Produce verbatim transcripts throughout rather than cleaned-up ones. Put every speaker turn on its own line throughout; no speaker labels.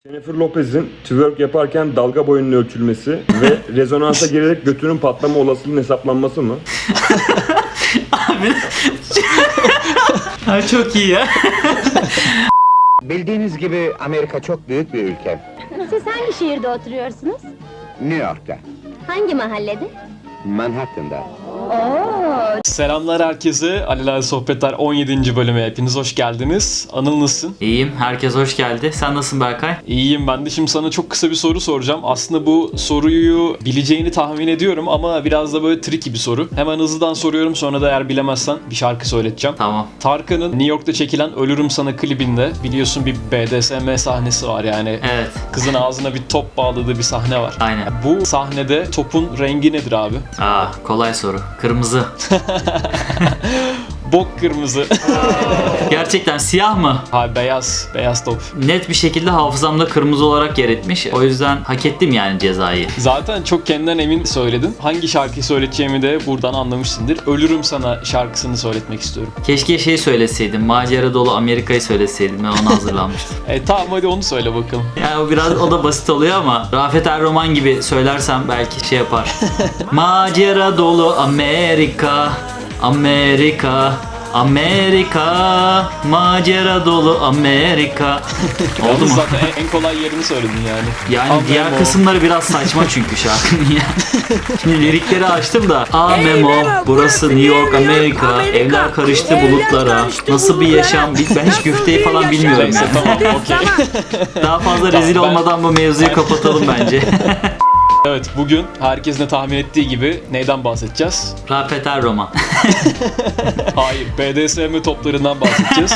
Jennifer Lopez'in twerk yaparken dalga boyunun ölçülmesi ve rezonansa girerek götünün patlama olasılığının hesaplanması mı?
Abi ha, çok iyi ya.
Bildiğiniz gibi Amerika çok büyük bir ülke.
Siz hangi şehirde oturuyorsunuz?
New York'ta,
Hangi mahallede?
Manhattan'da.
Oo,
Selamlar herkese. Alelade Sohbetler on yedinci bölüme hepiniz hoş geldiniz. Anıl nasılsın?
İyiyim. Herkes hoş geldi. Sen nasılsın Berkay?
İyiyim ben de. Şimdi sana çok kısa bir soru soracağım. Aslında bu soruyu bileceğini tahmin ediyorum ama biraz da böyle tricky bir soru. Hemen hızlıdan soruyorum, sonra da eğer bilemezsen bir şarkı söyleteceğim.
Tamam.
Tarkan'ın New York'ta çekilen Ölürüm Sana klibinde biliyorsun bir B D S M sahnesi var yani.
Evet.
Kızın ağzına bir top bağladığı bir sahne var.
Aynen.
Bu sahnede topun rengi nedir abi?
Aa, kolay soru. Kırmızı.
Bok kırmızı.
Gerçekten siyah mı?
Ha, beyaz. Beyaz top.
Net bir şekilde hafızamda kırmızı olarak yer etmiş. O yüzden hak ettim yani cezayı.
Zaten çok kendinden emin söyledin. Hangi şarkıyı söyleteceğimi de buradan anlamışsındır. Ölürüm Sana şarkısını söyletmek istiyorum.
Keşke şey söyleseydim. Macera dolu Amerika'yı söyleseydim. Ben ona hazırlanmıştım.
E tamam, hadi onu söyle bakalım.
Yani o biraz o da basit oluyor ama Rafet Erroman gibi söylersem belki şey yapar. Macera dolu Amerika, Amerika, Amerika, macera dolu Amerika. Oldu
Yalnız
mu?
zaten en, en kolay yerini söyledin yani.
Yani
Ama
diğer
o-
kısımları biraz saçma çünkü şarkının ya. Şimdi lirikleri açtım da. A Memo, burası New York, Amerika. Evler karıştı bulutlara. Nasıl bir yaşam? Ben hiç güfteyi falan bilmiyorum
Neyse
yani.
tamam, okey.
Daha fazla rezil
ben-
olmadan bu mevzuyu kapatalım bence.
Evet, bugün herkesin de tahmin ettiği gibi neyden bahsedeceğiz?
Rafet Erroman.
Hayır, B D S M toplarından bahsedeceğiz.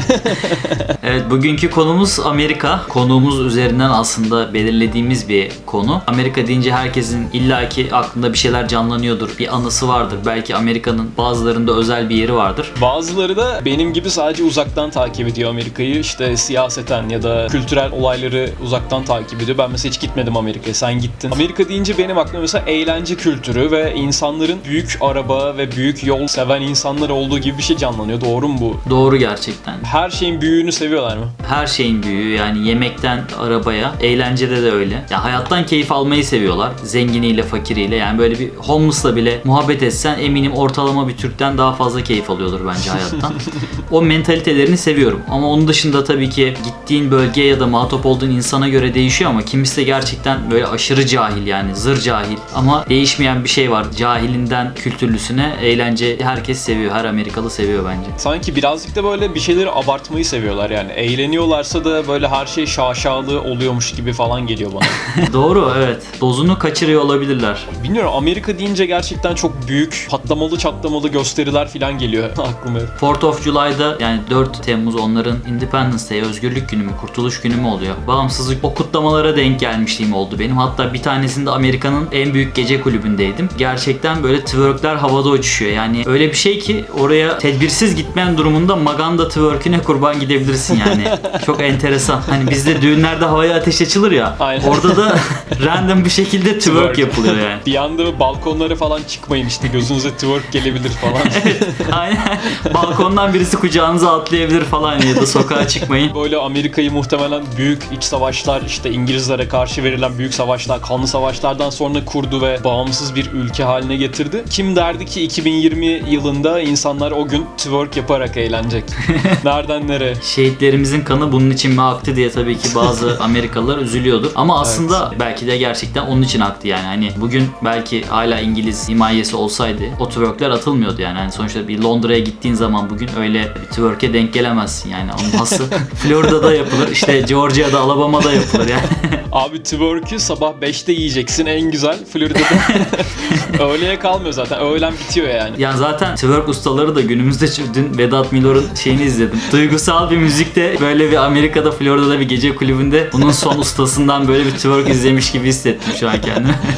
Evet, bugünkü konumuz Amerika. Konuğumuz üzerinden aslında belirlediğimiz bir konu. Amerika deyince herkesin illaki aklında bir şeyler canlanıyordur. Bir anısı vardır. Belki Amerika'nın bazılarında özel bir yeri vardır.
Bazıları da benim gibi sadece uzaktan takip ediyor Amerika'yı. İşte siyaseten ya da kültürel olayları uzaktan takip ediyor. Ben mesela hiç gitmedim Amerika'ya, sen gittin. Amerika deyince benim aklıma mesela eğlence kültürü ve insanların büyük araba ve büyük yol seven insanlar olduğu gibi bir şey canlanıyor. Doğru mu bu?
Doğru gerçekten.
Her şeyin büyüğünü seviyorlar mı?
Her şeyin büyüğü, yani yemekten arabaya, eğlencede de öyle. Ya hayattan keyif almayı seviyorlar. Zenginiyle, fakiriyle. Yani böyle bir homeless'la bile muhabbet etsen eminim ortalama bir Türk'ten daha fazla keyif alıyordur bence hayattan. O mentalitelerini seviyorum. Ama onun dışında tabii ki gittiğin bölgeye ya da muhatap olduğun insana göre değişiyor ama kimisi de gerçekten böyle aşırı cahil, yani zır cahil. Ama değişmeyen bir şey var. Cahilinden kültürlüsüne eğlence herkes seviyor. Her Amerikalı seviyor bence.
Sanki birazcık da böyle bir şeyleri abartmayı seviyorlar yani. Eğleniyorlarsa da böyle her şey şaşalı oluyormuş gibi falan geliyor bana.
Doğru, evet. Dozunu kaçırıyor olabilirler.
Bilmiyorum, Amerika deyince gerçekten çok büyük patlamalı çatlamalı gösteriler falan geliyor aklıma.
fourth of July'da, yani dört Temmuz onların Independence Day, özgürlük günü mü, kurtuluş günü mü oluyor? Bağımsızlık, o kutlamalara denk gelmişliğim oldu benim. Hatta bir tanesinde Amerika'nın en büyük gece kulübündeydim. Gerçekten böyle twerkler havada uçuşuyor. Yani öyle bir şey ki oraya tedbirsiz gitmeyen durumunda Maganda twerk'üne kurban gidebilirsin yani. Çok enteresan. Hani bizde düğünlerde havaya ateş açılır ya.
Aynen.
Orada da random bir şekilde twerk,
Twerk.
yapılıyor yani.
Bir anda balkonlara falan çıkmayın, işte gözünüze twerk gelebilir falan.
Aynen. Balkondan birisi kucağınıza atlayabilir falan ya da sokağa çıkmayın.
Böyle Amerika'yı muhtemelen büyük iç savaşlar, işte İngilizlere karşı verilen büyük savaşlar, kanlı savaşlardan sonra kurdu ve bağımsız bir ülke haline getirdi. Kim derdi ki iki bin yirmi yılında insanlar o gün twerk yaparak eğlenecek? Nereden nereye?
Şehitlerimizin kanı bunun için mi aktı diye tabii ki bazı Amerikalılar üzülüyordur. Ama aslında belki de gerçekten onun için aktı yani. Hani bugün belki hala İngiliz himayesi olsaydı o twerkler atılmıyordu yani. Hani sonuçta bir Londra'ya gittiğin zaman bugün öyle bir twerk'e denk gelemezsin yani. Onun hası Florida'da yapılır, işte Georgia'da, Alabama'da yapılır yani.
Abi twerk'ü sabah beşte yiyeceksin en güzel Florida'da. Öğleye kalmıyor zaten. Öğlen bitiyor yani.
Ya zaten twerk ustaları da günümüzde, dün Vedat Milor'un şeyini izledim. Duygusal bir müzikte böyle bir Amerika'da, Florida'da bir gece kulübünde bunun son ustasından böyle bir twerk izlemiş gibi hissettim şu an kendimi.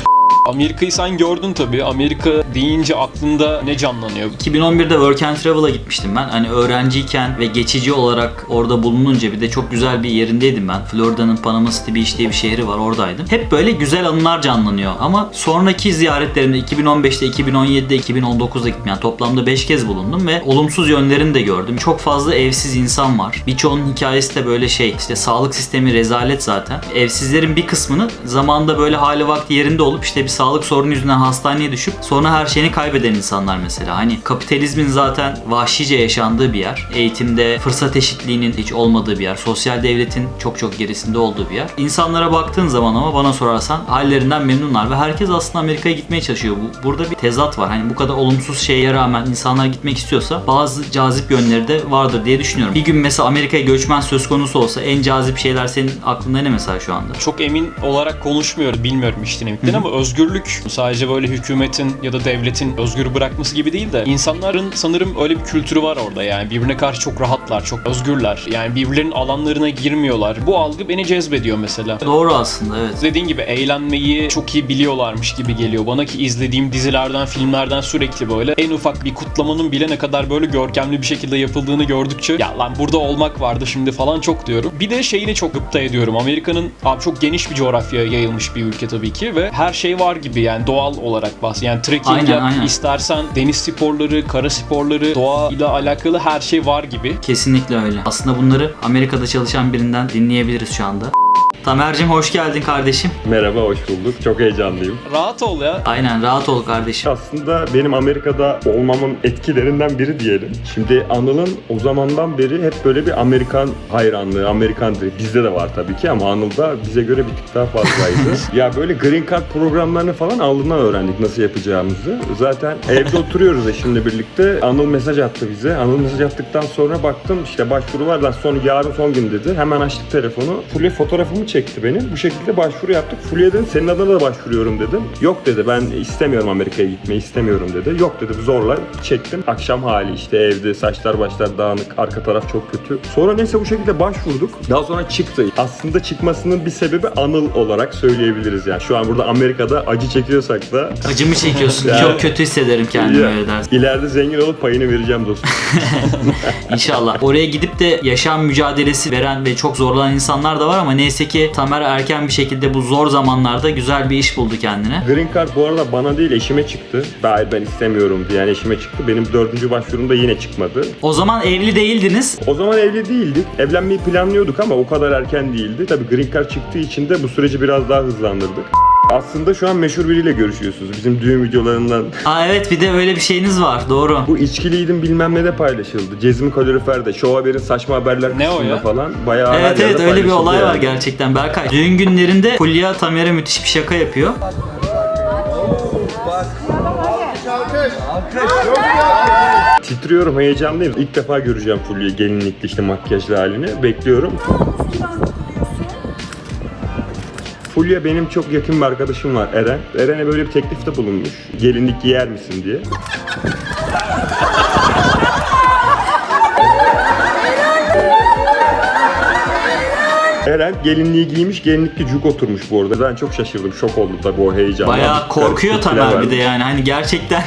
Amerika'yı sen gördün tabii. Amerika deyince aklında ne canlanıyor?
iki bin on birde Work and Travel'a gitmiştim ben. Hani öğrenciyken ve geçici olarak orada bulununca bir de çok güzel bir yerindeydim ben. Florida'nın Panama City Beach diye bir şehri var, oradaydım. Hep böyle güzel anılar canlanıyor ama sonraki ziyaretlerimde iki bin on beşte, iki bin on yedide, iki bin on dokuzda gittim. Yani toplamda beş kez bulundum ve olumsuz yönlerini de gördüm. Çok fazla evsiz insan var. Birçoğunun hikayesi de böyle şey, işte sağlık sistemi rezalet zaten. Evsizlerin bir kısmını zamanında böyle hali vakti yerinde olup işte bir sağlık sorunu yüzünden hastaneye düşüp sonra her şeyini kaybeden insanlar mesela. Hani kapitalizmin zaten vahşice yaşandığı bir yer. Eğitimde fırsat eşitliğinin hiç olmadığı bir yer. Sosyal devletin çok çok gerisinde olduğu bir yer. İnsanlara baktığın zaman ama bana sorarsan hallerinden memnunlar ve herkes aslında Amerika'ya gitmeye çalışıyor. Bu, burada bir tezat var. Hani bu kadar olumsuz şeye rağmen insanlar gitmek istiyorsa bazı cazip yönleri de vardır diye düşünüyorum. Bir gün mesela Amerika'ya göçmen söz konusu olsa en cazip şeyler senin aklında ne mesela şu anda?
Çok emin olarak konuşmuyorum, bilmiyorum işten emekten ama özgürlük sadece böyle hükümetin ya da devletin özgür bırakması gibi değil de insanların sanırım öyle bir kültürü var orada, yani birbirine karşı çok rahatlar, çok özgürler. Yani birbirlerinin alanlarına girmiyorlar. Bu algı beni cezbediyor mesela.
Doğru aslında, evet.
Dediğin gibi eğlenmeyi çok iyi biliyorlarmış gibi geliyor bana ki izlediğim dizilerden, filmlerden sürekli böyle en ufak bir kutlamanın bile ne kadar böyle görkemli bir şekilde yapıldığını gördükçe ya lan burada olmak vardı şimdi falan çok diyorum. Bir de şeyini çok gıpta ediyorum. Amerika'nın abi çok geniş bir coğrafyaya yayılmış bir ülke tabii ki ve her şey var gibi, yani doğal olarak bahs. Yani trekking
Aynen,
yap,
aynen.
istersen deniz sporları, kara sporları, doğa ile alakalı her şey var gibi.
Kesinlikle öyle. Aslında bunları Amerika'da çalışan birinden dinleyebiliriz şu anda. Tamer'cim hoş geldin kardeşim.
Merhaba, hoş bulduk. Çok heyecanlıyım.
Rahat ol ya.
Aynen, rahat ol kardeşim.
Aslında benim Amerika'da olmamın etkilerinden biri diyelim. Şimdi Anıl'ın o zamandan beri hep böyle bir Amerikan hayranlığı, Amerikan dili. Bizde de var tabii ki ama Anıl'da bize göre bir tık daha fazlaydı. Ya böyle Green Card programlarını falan Anıl'dan öğrendik nasıl yapacağımızı. Zaten evde oturuyoruz eşimle birlikte. Anıl mesaj attı bize. Anıl mesaj attıktan sonra baktım işte başvuru var lan, son yarın son gün dedi. Hemen açtık telefonu. Fulya fotoğrafımı çekti benim. Bu şekilde başvuru yaptık. Fulya dedim senin adına da başvuruyorum dedim. Yok dedi, ben istemiyorum Amerika'ya gitmeyi istemiyorum dedi. Yok dedi, zorla çektim. Akşam hali işte evde, saçlar başlar dağınık, arka taraf çok kötü. Sonra neyse bu şekilde başvurduk. Daha sonra çıktı. Aslında çıkmasının bir sebebi Anıl olarak söyleyebiliriz yani. Şu an burada Amerika'da acı çekiyorsak da
Acımı çekiyorsun.
Yani-
Çok kötü hissederim kendimi
Ya,
öyle dersin.
İleride zengin olup payını vereceğim dostum.
İnşallah. Oraya gidip de yaşam mücadelesi veren ve çok zorlanan insanlar da var ama neyse ki Tamer erken bir şekilde bu zor zamanlarda güzel bir iş buldu kendine.
Green Card bu arada bana değil eşime çıktı. Hayır ben istemiyorum diye yani eşime çıktı. Benim dördüncü başvurumda yine çıkmadı.
O zaman evli değildiniz.
O zaman evli değildik. Evlenmeyi planlıyorduk ama o kadar erken değildi. Tabii Green Card çıktığı için de bu süreci biraz daha hızlandırdık. Aslında şu an meşhur biriyle görüşüyorsunuz. Bizim düğün videolarından.
Aa evet, bir de öyle bir şeyiniz var. Doğru.
Bu içkiliydim bilmem ne de paylaşıldı. Cezmi Kalorifer'de, Show Haber'in saçma haberler
Ne o
kısmında
ya?
falan. Bayağı her
Evet
yerde
evet, öyle bir
paylaşıldı
olay var
yani.
gerçekten Berkay. Düğün günlerinde Fulya Tamer'e müthiş bir şaka yapıyor.
Titriyorum, heyecanlıyım. İlk defa göreceğim Fulya'yı gelinlikli işte makyajlı halini. Bekliyorum. Fulya benim çok yakın bir arkadaşım var Eren. Eren'e böyle bir teklifte bulunmuş. Gelinlik giyer misin diye. Eren gelinliği giymiş, gelinlikli cuk oturmuş bu arada. Ben çok şaşırdım, şok oldum tabii o heyecandan.
Bayağı korkuyor
Garip tepkiler
Tamer bir de
verdim.
yani. Hani gerçekten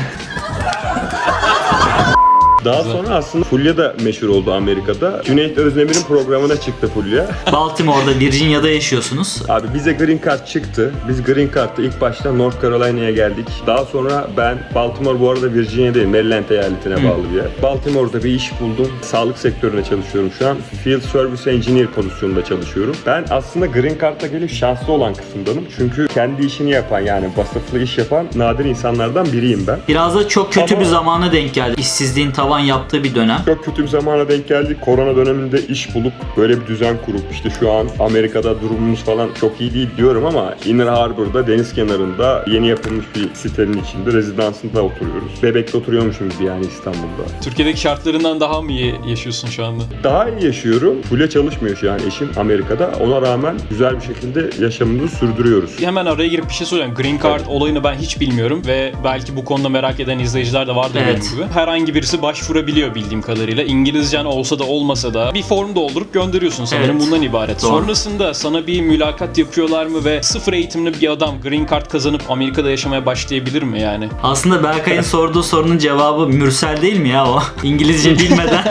Daha sonra aslında Fulya da meşhur oldu Amerika'da. Cüneyt Özdemir'in programına çıktı Fulya.
Baltimore'da, Virginia'da yaşıyorsunuz.
Abi bize Green Card çıktı. Biz Green Card'da ilk başta North Carolina'ya geldik. Daha sonra ben Baltimore bu arada Virginia değil, Maryland eyaletine bağlı bir yer. Baltimore'da bir iş buldum. Sağlık sektöründe çalışıyorum şu an. Field Service Engineer pozisyonunda çalışıyorum. Ben aslında Green Card'da gelip şanslı olan kısımdanım. Çünkü kendi işini yapan yani vasıflı iş yapan nadir insanlardan biriyim ben.
Biraz da çok kötü
Ama-
bir zamana denk geldi. İşsizliğin tavan yaptığı bir dönem.
Çok kötü bir zamana denk geldik. Korona döneminde iş bulup böyle bir düzen kurup işte şu an Amerika'da durumumuz falan çok iyi değil diyorum ama Inner Harbor'da deniz kenarında yeni yapılmış bir sitenin içinde rezidansında oturuyoruz. Bebek'te oturuyormuşum gibi yani İstanbul'da.
Türkiye'deki şartlarından daha mı iyi yaşıyorsun şu anda?
Daha iyi yaşıyorum. Full'e çalışmıyor şu an eşim Amerika'da. Ona rağmen güzel bir şekilde yaşamımızı sürdürüyoruz.
Hemen araya girip bir şey soracağım. Green Card olayını ben hiç bilmiyorum ve belki bu konuda merak eden izleyiciler de vardır
Evet.
benim gibi. Herhangi birisi başvuruyor başvurabiliyor bildiğim kadarıyla. İngilizcen olsa da olmasa da bir form doldurup gönderiyorsun. Sanırım
Evet.
bundan ibaret.
Doğru.
Sonrasında sana bir mülakat yapıyorlar mı ve sıfır eğitimli bir adam green card kazanıp Amerika'da yaşamaya başlayabilir mi yani?
Aslında Berkay'ın sorduğu sorunun cevabı Mürsel değil mi ya o? İngilizce bilmeden.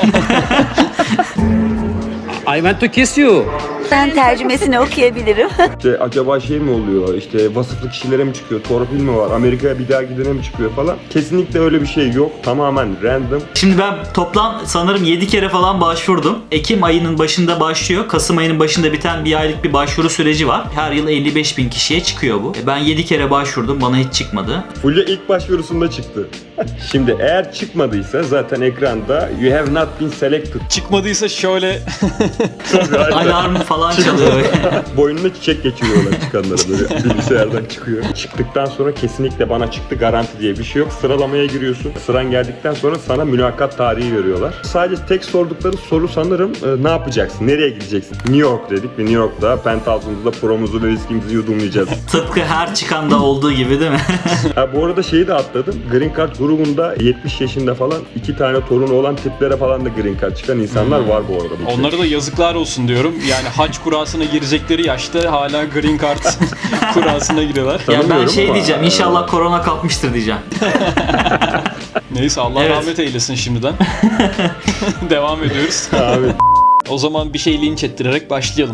I want to kiss you.
Ben tercümesini okuyabilirim.
İşte acaba şey mi oluyor, işte vasıflı kişilere mi çıkıyor, torpil mi var, Amerika'ya bir daha gidene mi çıkıyor falan. Kesinlikle öyle bir şey yok. Tamamen random.
Şimdi ben toplam sanırım yedi kere falan başvurdum. Ekim ayının başında başlıyor. Kasım ayının başında biten bir aylık bir başvuru süreci var. Her yıl elli beş bin kişiye çıkıyor bu. E, Ben yedi kere başvurdum. Bana hiç çıkmadı.
Fulya ilk başvurusunda çıktı. Şimdi eğer çıkmadıysa zaten ekranda you have not been selected.
Çıkmadıysa şöyle
Alarm falan çalıyor.
Boynuna çiçek geçiriyorlar çıkanlara, böyle bilgisayardan çıkıyor. Çıktıktan sonra kesinlikle bana çıktı garanti diye bir şey yok. Sıralamaya giriyorsun. Sıran geldikten sonra sana mülakat tarihi veriyorlar. Sadece tek sordukları soru sanırım e, ne yapacaksın? Nereye gideceksin? New York dedik ve New York'ta penthouse'umuzda promuzu ve viskimizi yudumlayacağız.
Tıpkı her çıkanda olduğu gibi değil mi?
Ha, bu arada şeyi de atladım. Green Card grubunda yetmiş yaşında falan iki tane torunu olan tiplere falan da Green Card çıkan insanlar var bu arada. Bu
onlara da yazıklar olsun diyorum. Yani hac kurasına girecekleri yaşta hala green card kurasına giriyorlar.
Ya ben
Tanımıyorum
şey
ama-
diyeceğim. İnşallah korona kapmıştır diyeceğim.
Neyse Allah
Evet.
rahmet eylesin şimdiden. Devam ediyoruz.
Abi.
O zaman bir şey linç ettirerek başlayalım.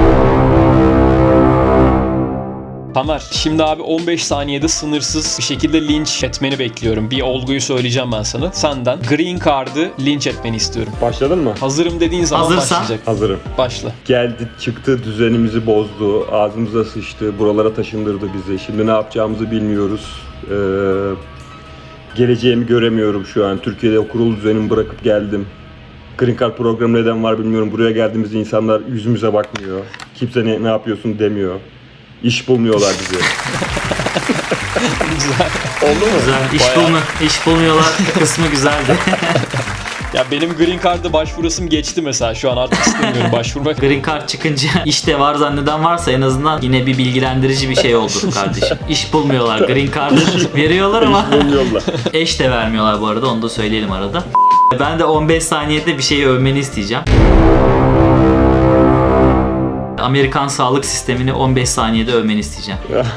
Tamer, şimdi abi on beş saniyede sınırsız bir şekilde linç etmeni bekliyorum. Bir olguyu söyleyeceğim ben sana. Senden Green Card'ı linç etmeni istiyorum.
Başladın mı?
Hazırım dediğin zaman
Hazırsan.
başlayacak.
Hazırım.
Başla.
Geldi, çıktı, düzenimizi bozdu, ağzımıza sıçtı, buralara taşındırdı bizi. Şimdi ne yapacağımızı bilmiyoruz. Ee, geleceğimi göremiyorum şu an. Türkiye'de o kurulu düzenimi bırakıp geldim. Green Card programı neden var bilmiyorum. Buraya geldiğimizde insanlar yüzümüze bakmıyor. Kimse ne, ne yapıyorsun demiyor. İş bulmuyorlar bize.
Güzel.
Oldu mu?
Güzel. İş,
Bayağı-
bulma, iş bulmuyorlar kısmı güzeldi.
Ya benim Green Card'a başvurasım geçti mesela. Şu an artık istemiyorum başvurmak.
Green Card çıkınca işte var zanneden varsa en azından yine bir bilgilendirici bir şey oldu kardeşim. İş bulmuyorlar. Green Card'ı veriyorlar ama
İş bulmuyorlar.
eş de vermiyorlar bu arada. Onu da söyleyelim arada. Ben de on beş saniyede bir şeyi övmeni isteyeceğim. Amerikan sağlık sistemini on beş saniyede övmeni isteyeceğim.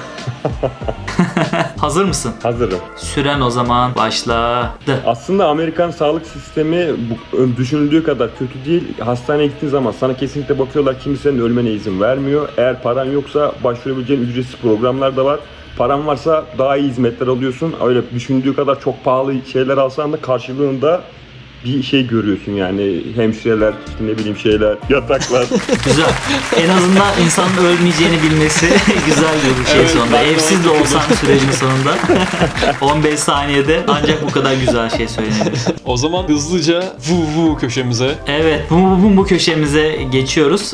Hazır mısın?
Hazırım.
Süren o zaman başladı.
Aslında Amerikan sağlık sistemi bu, düşünüldüğü kadar kötü değil. Hastaneye gittiğin zaman sana kesinlikle bakıyorlar, kimsenin ölmene izin vermiyor. Eğer paran yoksa başvurabileceğin ücretsiz programlar da var. Paran varsa daha iyi hizmetler alıyorsun. Öyle düşündüğü kadar çok pahalı şeyler alsan da karşılığında bir şey görüyorsun yani. Hemşireler, işte ne bileyim şeyler, yataklar.
Güzel. En azından insanın ölmeyeceğini bilmesi güzel bir şey
Evet,
sonunda.
ben de
Evsiz de
onu
olsan sürecin sonunda on beş saniyede ancak bu kadar güzel şey söylenebilir.
O zaman hızlıca vu vu köşemize.
Evet, bu, bu, bu köşemize geçiyoruz.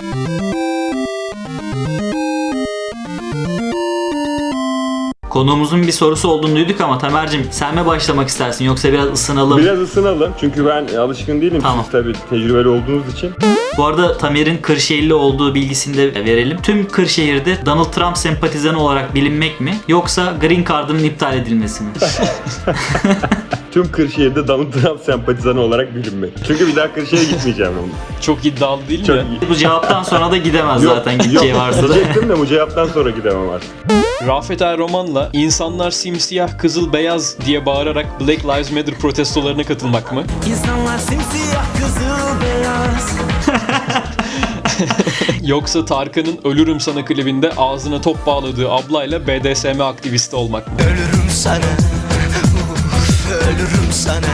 Konuğumuzun bir sorusu olduğunu duyduk ama Tamer'cim sen mi başlamak istersin yoksa biraz ısınalım?
Biraz ısınalım çünkü ben alışkın değilim.
Tamam.
Siz tabii tecrübeli olduğunuz için.
Bu arada Tamer'in Kırşehirli olduğu bilgisini de verelim. Tüm Kırşehir'de Donald Trump sempatizanı olarak bilinmek mi yoksa Green Card'ın iptal edilmesi mi?
Tüm Kırşehir'de Donald Trump sempatizanı olarak bilinmek. Çünkü bir daha Kırşehir'e gitmeyeceğim onu.
Çok iddialı değil
Çok
mi?
Bu cevaptan sonra da gidemez zaten gideceği
yok,
varsa da.
diyecektim de bu cevaptan sonra gidemem artık.
Rafet Er Roman'la insanlar simsiyah, kızıl, beyaz diye bağırarak Black Lives Matter protestolarına katılmak mı?
İnsanlar simsiyah, kızıl, beyaz.
Yoksa Tarkan'ın Ölürüm Sana klibinde ağzına top bağladığı ablayla B D S M aktivisti olmak mı?
Ölürüm sana, uf, ölürüm sana.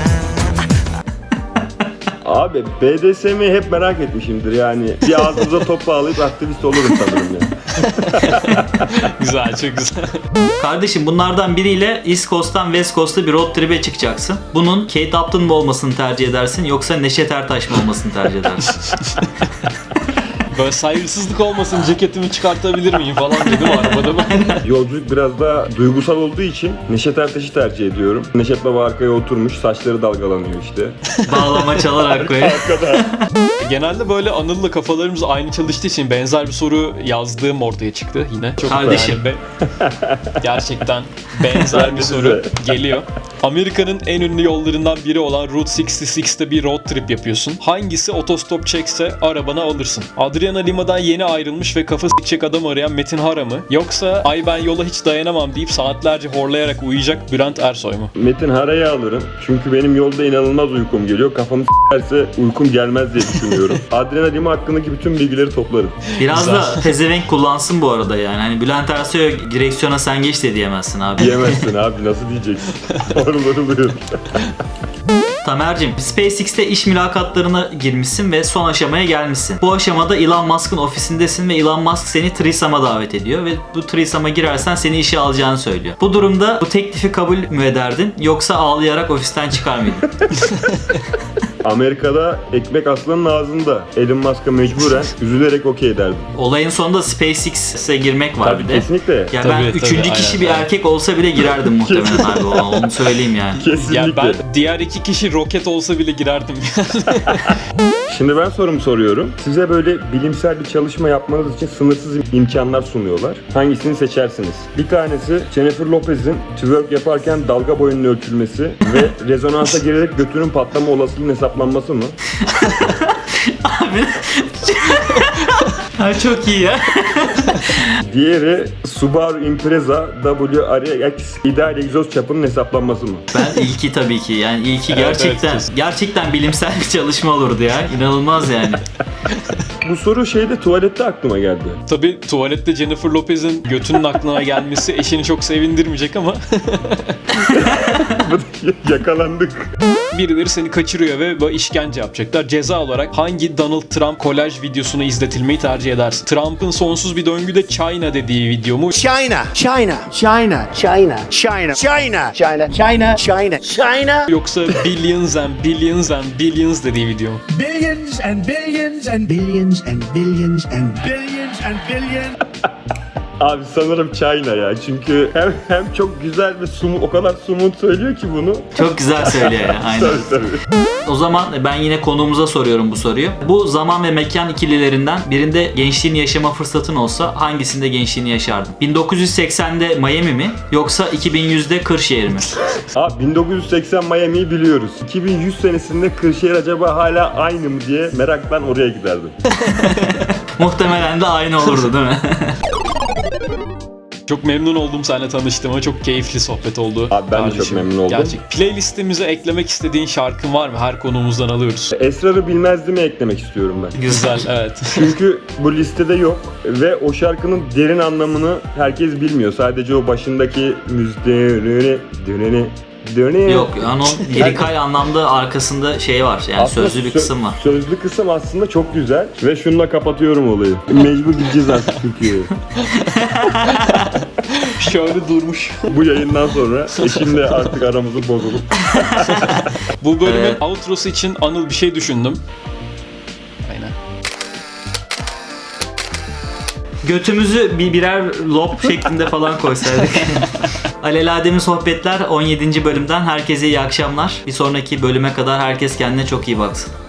Abi B D S M'yi hep merak etmişimdir yani. Bir ağzımıza top bağlayıp aktivist olurum sanırım ya.
Güzel, çok güzel.
Kardeşim bunlardan biriyle East Coast'tan West Coast'a bir road trip'e çıkacaksın. Bunun Kate Upton mu olmasını tercih edersin yoksa Neşet Ertaş mı olmasını tercih edersin?
Böyle saygısızlık olmasın, ceketimi çıkartabilir miyim falan dedim arabada ben.
Yolculuk biraz daha duygusal olduğu için Neşet Ertaş'ı tercih ediyorum. Neşet Baba arkaya oturmuş, saçları dalgalanıyor işte.
Bağlama çalarak koyuyor.
Genelde böyle Anıl'la kafalarımız aynı çalıştığı için benzer bir soru yazdığım ortaya çıktı yine. Çok
Kardeşim.
yani be- gerçekten benzer bir soru geliyor. Amerika'nın en ünlü yollarından biri olan Route altmış altıda bir road trip yapıyorsun. Hangisi otostop çekse arabana alırsın? Adriana Lima'dan yeni ayrılmış ve kafa s***çek adam arayan Metin Hara mı? Yoksa ay ben yola hiç dayanamam deyip saatlerce horlayarak uyuyacak Bülent Ersoy mu?
Metin Hara'yı alırım. Çünkü benim yolda inanılmaz uykum geliyor. Kafamı s**erse uykum gelmez diye düşünüyorum. Adriana Lima hakkındaki bütün bilgileri toplarım.
Biraz da pezevenk kullansın bu arada yani. Hani Bülent Ersoy'a direksiyona sen geç de diyemezsin abi.
Diyemezsin abi, nasıl diyeceksin? Orulur
Tamer'cim, SpaceX'te iş mülakatlarına girmişsin ve son aşamaya gelmişsin. Bu aşamada Elon Musk'ın ofisindesin ve Elon Musk seni threesome'a davet ediyor ve bu threesome'a girersen seni işe alacağını söylüyor. Bu durumda bu teklifi kabul mü ederdin yoksa ağlayarak ofisten çıkar mıydın?
Amerika'da ekmek aslanın ağzında. Elon Musk'a mecburen üzülerek okey derdim.
Olayın sonunda SpaceX'e girmek var
Tabii
bir de.
kesinlikle.
Ya
Tabii,
ben
tabii,
üçüncü kişi
aynen,
bir
aynen.
erkek olsa bile girerdim muhtemelen abi, onu söyleyeyim yani.
Kesinlikle.
Yani ben diğer iki kişi roket olsa bile girerdim.
Şimdi ben sorumu soruyorum. Size böyle bilimsel bir çalışma yapmanız için sınırsız imkanlar sunuyorlar. Hangisini seçersiniz? Bir tanesi Jennifer Lopez'in twerk yaparken dalga boyunun ölçülmesi ve rezonansa girerek götünün patlama olasılığının hesaplanması mı?
Abi ha, çok iyi ya.
Diğeri Subaru Impreza W R X ideal egzoz çapının hesaplanması mı?
Ben ilki tabii ki. Yani ilki
Evet,
gerçekten
evet, kesin.
gerçekten bilimsel bir çalışma olurdu ya. İnanılmaz yani.
Bu soru şeyde tuvalette aklıma geldi.
Tabii tuvalette Jennifer Lopez'in götünün aklına gelmesi eşini çok sevindirmeyecek ama
Yakalandık.
birileri seni kaçırıyor ve böyle işkence yapacaklar. Ceza olarak hangi Donald Trump kolaj videosunu izletilmeyi tercih edersin? Trump'ın sonsuz bir döngüde China dediği video mu?
China, China, China, China, China, China, China, China, China, China.
Yoksa billions and billions and billions dediği video mu?
Billions and billions and billions and billions and billions and billions.
Abi sanırım China ya. Çünkü hem hem çok güzel ve sumu, o kadar sumut söylüyor ki bunu.
Çok güzel söylüyor ya. Aynen.
Tabii tabii.
O zaman ben yine konuğumuza soruyorum bu soruyu. Bu zaman ve mekan ikililerinden birinde gençliğini yaşama fırsatın olsa hangisinde gençliğini yaşardın? bin dokuz yüz seksende Miami mi yoksa iki bin yüzde Kırşehir mi?
Abi bin dokuz yüz seksen Miami'yi biliyoruz. iki bin yüz senesinde Kırşehir acaba hala aynı mı diye meraktan oraya giderdim.
Muhtemelen de aynı olurdu değil mi?
Çok memnun oldum seninle tanıştığıma. Çok keyifli sohbet oldu.
Abi ben de çok memnun oldum.
Gerçek. Playlistimize eklemek istediğin şarkın var mı? Her konuğumuzdan alıyoruz.
Esrarı bilmezdi mi eklemek istiyorum ben.
Güzel, evet.
Çünkü bu listede yok ve o şarkının derin anlamını herkes bilmiyor. Sadece o başındaki müzik döneni döneni döneni.
Yok yani o lirikal anlamda arkasında şey var yani
Aslında
sözlü bir
sö-
kısım var.
Sözlü kısım aslında çok güzel ve şununla kapatıyorum olayı. Mecbur gideceğiz artık Türkiye'ye.
Şöyle durmuş.
Bu yayından sonra eşimle artık aramızın bozulup.
Bu bölümün
Evet.
outrosu için Anıl bir şey düşündüm. Aynen.
Götümüzü bir birer lob şeklinde falan koysaydık. Alelade mi sohbetler on yedinci bölümden herkese iyi akşamlar. Bir sonraki bölüme kadar herkes kendine çok iyi baksın.